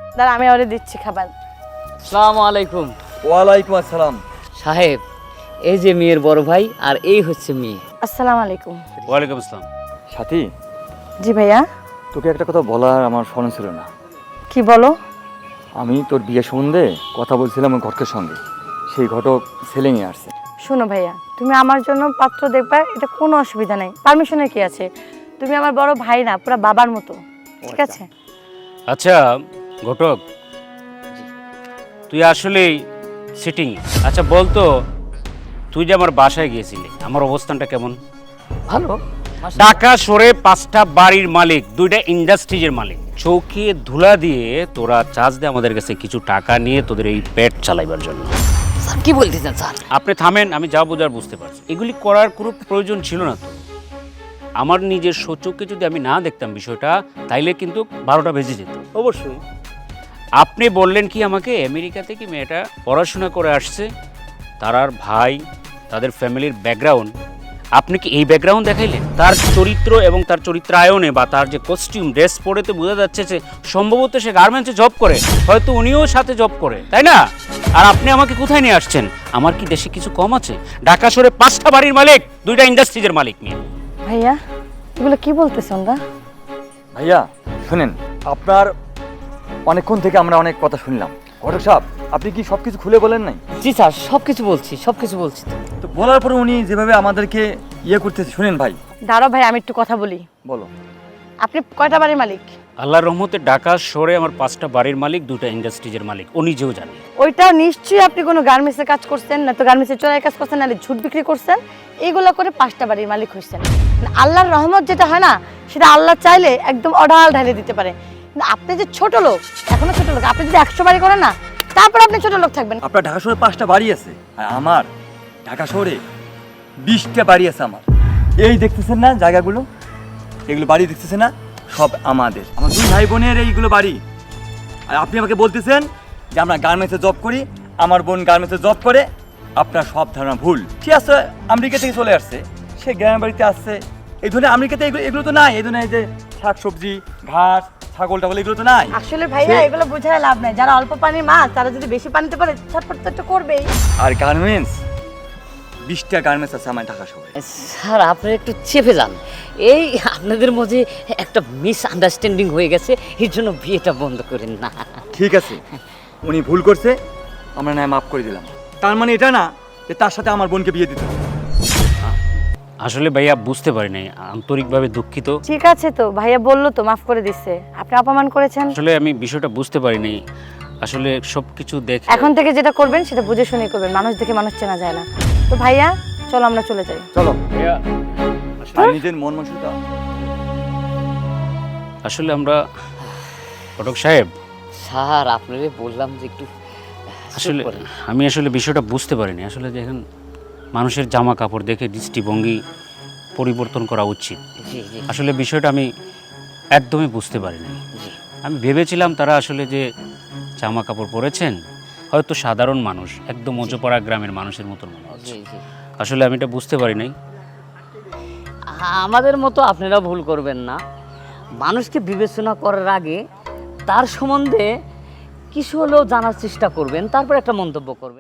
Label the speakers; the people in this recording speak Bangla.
Speaker 1: দাঁড়া আমি ওরে দিচ্ছি খাবার।
Speaker 2: আসসালামু আলাইকুম।
Speaker 3: ওয়ালাইকুম আসসালাম।
Speaker 2: সাহেব, এই যে মেয়ের বড় ভাই আর এই হচ্ছে মেয়ে।
Speaker 1: আসসালামু আলাইকুম।
Speaker 4: ওয়ালাইকুম আসসালাম।
Speaker 3: সাথী,
Speaker 1: জি ভাইয়া।
Speaker 3: তোকে একটা কথা বলার আমার স্মরণ ছিল না।
Speaker 1: কি বলো?
Speaker 3: আমি তোর বিয়ে সম্বন্ধে কথা বলছিলাম ওই ঘটকের সঙ্গে, সেই ঘটক ছেলে নিয়ে আসছে।
Speaker 1: শোনো ভাইয়া, তুমি আমার জন্য পাত্র দেখবা, এটা কোনো অসুবিধা নাই, পারমিশনের কি আছে। তুমি আমার বড় ভাই না, পুরো বাবার মতো, ঠিক আছে?
Speaker 4: আচ্ছা ঘটক, তুই আসলেই সিটিং। আচ্ছা বলতো, তুই যে আমার বাসায় গিয়েছিলি, আমার অবস্থানটা কেমন?
Speaker 2: ভালো।
Speaker 4: ঢাকা শহরে 5টা বাড়ির মালিক, 2টা ইন্ডাস্ট্রিজের মালিক, চৌকি ধুলা দিয়ে তোরা চার্জ দিয়ে আমাদের কাছে কিছু টাকা নিয়ে তোদের এই পেট চালাইবার জন্য।
Speaker 2: স্যার কি বলতেছেন স্যার?
Speaker 4: আপনি থামেন, আমি যা বোঝার বুঝতে পারছি। এগুলি করার কোনো প্রয়োজন ছিল না তো। আমার নিজের সচক্ষে যদি আমি না দেখতাম বিষয়টা, তাইলে কিন্তু 12টা বেজে যেত।
Speaker 3: অবশ্যই।
Speaker 4: আপনি বললেন কি আমাকে, আমেরিকা থেকে মেয়েটা পড়াশোনা করে আসছে, তার ভাই, তাদের ফ্যামিলির ব্যাকগ্রাউন্ড, আপনি কি এই ব্যাকগ্রাউন্ড দেখাইলেন? তার চরিত্র এবং তার চরিত্রায়নে বা তার যে কস্টিউম ড্রেস পরেতে বোঝা যাচ্ছে যে সম্ভবত সে গার্মেন্টসে জব করে, হয়তো উনিও সাথে জব করে, তাই না? আর আপনি আমাকে কোথায় নিয়ে আসছেন? আমার কি দেশে কিছু কম আছে? ঢাকা শহরে 5টা বাড়ির মালিক, 2টা ইন্ডাস্ট্রিজের মালিক নিয়ে।
Speaker 1: ভাইয়া এগুলো কি বলতেছ ওরা?
Speaker 3: ভাইয়া শুনেন, আপনার অনেকক্ষণ থেকে আমরা অনেক কথা শুনলাম। ঘটক সাহেব, আপনি কি সব কিছু খুলে বলেন নাই?
Speaker 2: জি স্যার, সবকিছু বলছি, সবকিছু বলছি তো।
Speaker 3: তো বলার পরে উনি যেভাবে আমাদেরকে করতেছে, শুনেন ভাই।
Speaker 1: দাঁড়াও ভাই, আমি একটু কথা বলি।
Speaker 3: বলো।
Speaker 1: আপনি কয়টা বাড়ির মালিক?
Speaker 4: আল্লাহর রহমতে ঢাকা শহরে আমার 5টা বাড়ির মালিক, 2টা ইন্ডাস্ট্রিজের মালিক, ও নিজেও জানে।
Speaker 1: ওইটাও নিশ্চয়ই আপনি কোনো গার্মেন্টসের কাজ করছেন, না তো গার্মেন্টসের চোরাই কাজ করছেন, নাহলে ঝুট বিক্রি করছেন। এইগুলো করে 5টা বাড়ির মালিক হয়েছেন। আল্লাহর রহমত যেটা হয় না, সেটা আল্লাহ চাইলে একদম অঢাল ঢালে দিতে পারে। কিন্তু আপনি যে ছোট লোক, এখনো ছোট লোক, আপনি যদি 100 বাড়ি করেন না, তারপর আপনি ছোট লোক থাকবেন।
Speaker 3: আপনার ঢাকা শহরে 5টা বাড়ি আছে, আর আমার ঢাকা শহরে 20টা বাড়ি আছে আমার। এই দেখতেছেন না জায়গাগুলো, এগুলো বাড়ি দেখতেছেন না, সব আমাদের, আমার 2 ভাই বোনের এইগুলো বাড়ি। আর আপনি আমাকে বলতেছেন যে আমরা গার্মেন্টসে জব করি, আমার বোন গার্মেন্টসে জব করে। আপনার সব ধারণা ভুল। ঠিক আছে, আমেরিকা থেকে চলে আসছে, সে গ্রামের বাড়িতে আসছে। এই ধরনের আমেরিকাতে এগুলো তো নাই। এই ধরনের এই যে শাকসবজি, ঘাস, ছাগল টাগল, এগুলো তো নাই।
Speaker 1: আসলে ভাইয়া এগুলো বোঝায় লাভ নাই। যারা অল্প পানির মাছ, তারা যদি বেশি পানিতে পারে, ছটফট তো একটু করবেই।
Speaker 3: আর গার্মেন্টস, 20টা গার্মেন্টস আছে আমার ঢাকা শহরে।
Speaker 2: স্যার আপনারা একটু চেপে যান। এই আপনাদের মধ্যে একটা মিসআন্ডারস্ট্যান্ডিং হয়ে গেছে, এর জন্য বিয়েটা বন্ধ করেন না।
Speaker 3: ঠিক আছে, উনি ভুল করছে, আমরা না মাফ করে দিলাম। তার মানে এটা না যে তার সাথে আমার বোনকে বিয়ে দিতে হবে।
Speaker 4: আসলে ভাইয়া বুঝতে পারি নাই, আন্তরিকভাবে দুঃখিত।
Speaker 1: ঠিক আছে, তো ভাইয়া বললো তো মাফ করে দিচ্ছে। আপনি অপমান করেছেন।
Speaker 4: আসলে আমি বিষয়টা বুঝতে পারিনি। আসলে সবকিছু দেখে
Speaker 1: এখন থেকে যেটা করবেন সেটা বুঝে শুনে করবেন। মানুষ দেখে মানুষ চেনা যায় না। তো ভাইয়া চলো আমরা চলে যাই।
Speaker 3: চলো।
Speaker 4: ভাইয়া,
Speaker 3: আর নিজের মন মানসিকতা।
Speaker 4: আসলে আমরা ঘটক সাহেব,
Speaker 2: স্যার আপনারে বললাম যে একটু
Speaker 4: আসলে আমি আসলে বিষয়টা বুঝতে পারিনি। আসলে দেখেন, মানুষের জামা কাপড় দেখে দৃষ্টিভঙ্গি পরিবর্তন করা উচিত।
Speaker 2: জি জি
Speaker 4: আসলে বিষয়টা আমি একদমই বুঝতে পারিনি।
Speaker 2: জি
Speaker 4: আমি ভেবেছিলাম তারা আসলে যে জামা কাপড় পরেছেন, হয়তো সাধারণ মানুষ, একদম মজোপাড়া গ্রামের মানুষের মতন মনে হচ্ছে।
Speaker 2: জি জি
Speaker 4: আসলে আমি এটা বুঝতে পারি নাই।
Speaker 2: আমাদের মতো আপনারা ভুল করবেন না। মানুষকে বিবেচনা করার আগে তার সম্বন্ধে কিছু হলেও জানার চেষ্টা করবেন, তারপর একটা মন্তব্য করবেন।